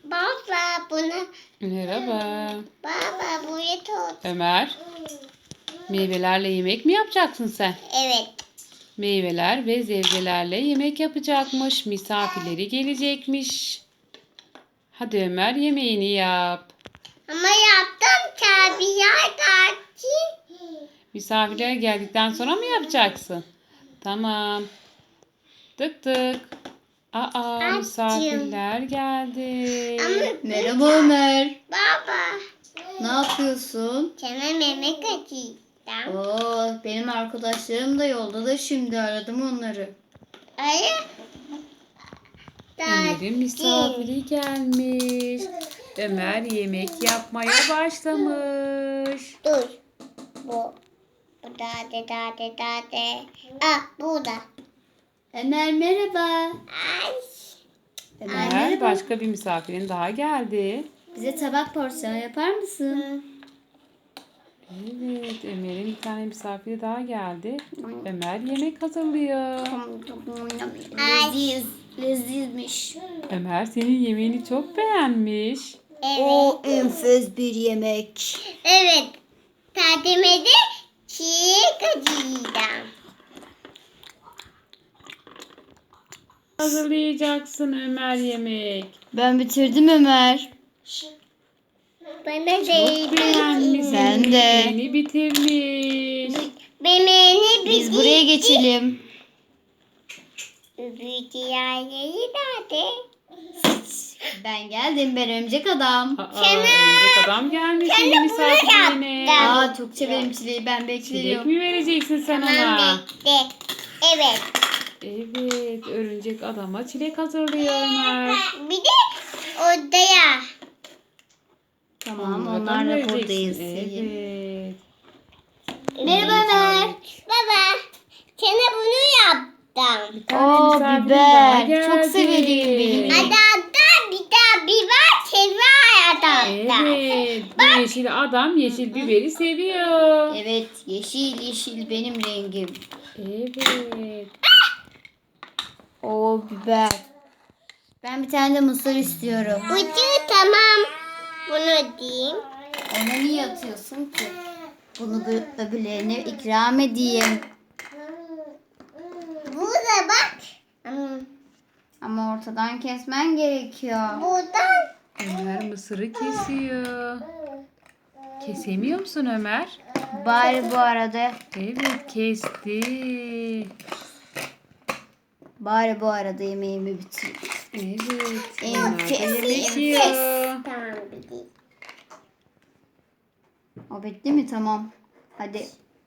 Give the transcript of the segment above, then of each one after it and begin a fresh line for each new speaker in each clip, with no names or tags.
Baba bunu.
Merhaba.
Baba buraya tut.
Ömer, meyvelerle yemek mi yapacaksın sen?
Evet.
Meyveler ve sebzelerle yemek yapacakmış. Misafirleri gelecekmiş. Hadi Ömer, yemeğini yap.
Ama yaptım tabii ya kaçtı.
Misafirler geldikten sonra mı yapacaksın? Tamam. Tık tık. Aa,
Açım.
misafirler geldi.
Ama
Merhaba Ömer.
baba.
Ne yapıyorsun?
Sana meme kaçırdım.
Oo, benim arkadaşlarım da yolda da şimdi aradım onları.
Ay.
Ömer'in misafiri gelmiş. Ömer yemek yapmaya başlamış.
Dur. Bu. Bu da. Ah burada.
Ömer merhaba.
Ay.
Ömer
Ömer,
merhaba.
başka bir misafirin daha geldi.
Bize tabak porsiyon yapar mısın?
Evet, Ömer'in bir tane misafiri daha geldi. Ömer yemek hazırlıyor.
Leziz. Lezizmiş.
Ömer senin yemeğini çok beğenmiş.
Evet.
enfes bir yemek.
Evet. Tadime de çiğ kaçırdım.
Hazırlayacaksın Ömer yemek.
Ben bitirdim Ömer.
Bana
Çok
değdi.
beğenmiş.
Ben
senin
de.
yemeğini bitirmiş.
Bebeğini
Biz buraya geçelim.
Büyük yerleri nerede?
Ben geldim, ben örümcek adam.
Örümcek adam gelmiş senin misafirliğine.
yaptım.
Aa, çok severim çileği, ben
Çilek
bekliyorum.
mi vereceksin sen
Tamam
ona?
bekle. Evet.
Evet, örümcek adama çilek hazırlıyor Ömer.
Bir de odaya.
Tamam,
Onlardan
onlar da
vereceksin.
buradayız.
Evet.
Merhaba Ömer.
Baba. Sana bunu yaptım.
Bir tane
Oo,
misafirin
biber.
daha geldi.
Çok severim benim.
Adamda bir de biber seviyor adamda.
Evet, bu yeşil adam yeşil biberi seviyor.
Evet, yeşil yeşil benim rengim.
Evet.
Oo, biber. Ben bir tane de mısır istiyorum.
Ucu tamam. Bunu diyeyim.
Ona niye atıyorsun ki? Bunu öbürlerine ikram edeyim.
Burada bak.
Ama ortadan kesmen gerekiyor.
Buradan.
Ömer mısırı kesiyor. Kesemiyor musun Ömer?
Bari bu arada,
Evet, kesti.
bari bu arada yemeğimi bitireyim.
Evet. Onlar da
Enfes,
yemek
enfes.
yiyor.
Tamam bileyim.
O bitti mi? Tamam. Hadi.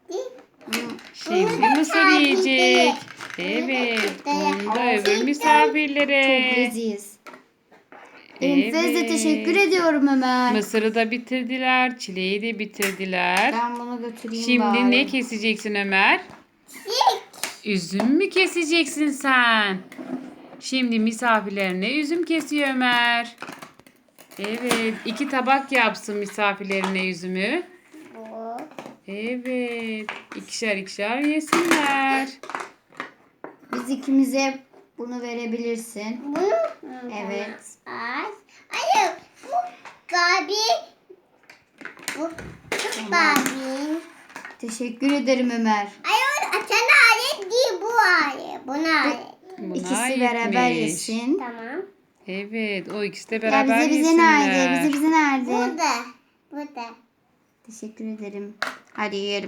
Şimdi mısır yiyecek. Evet. Bunda öbür
Çok
misafirlere.
leziz. Enfes'e teşekkür ediyorum Ömer.
Mısırı da bitirdiler. Çileği de bitirdiler.
Ben bunu götüreyim
Şimdi
bari.
ne keseceksin Ömer? Üzüm mü keseceksin sen? Şimdi misafirlerine üzüm kesiyor Ömer. Evet. 2 tabak yapsın misafirlerine üzümü.
Bu.
Evet. İkişer ikişer yesinler.
Biz ikimize bunu verebilirsin.
Bunu.
Evet.
Az. Hayır. Bu Barbie. Bu Barbie.
Teşekkür ederim Ömer.
Hayır sana alet değil bu alet. Buna alet.
Buna
İkisi beraber
aitmiş.
yesin.
Tamam.
Evet. O ikisi de
Ya
beraber
bize
yesinler.
nerede? Bize nerede?
Burada. Burada.
Teşekkür ederim. Hadi yiyelim.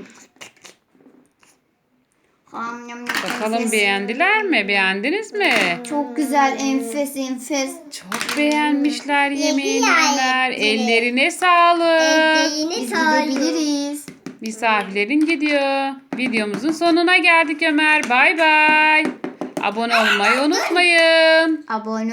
Bakalım beğendiler mi? Beğendiniz mi?
Çok güzel, enfes enfes.
Çok beğenmişler yemeğini
ya,
Ömer.
evet.
Ellerine sağlık.
Eldiğini
Biz
sağlıyor.
gidebiliriz.
Misafirlerin gidiyor. Videomuzun sonuna geldik Ömer. Bay bay. Abone olmayı unutmayın.
Abone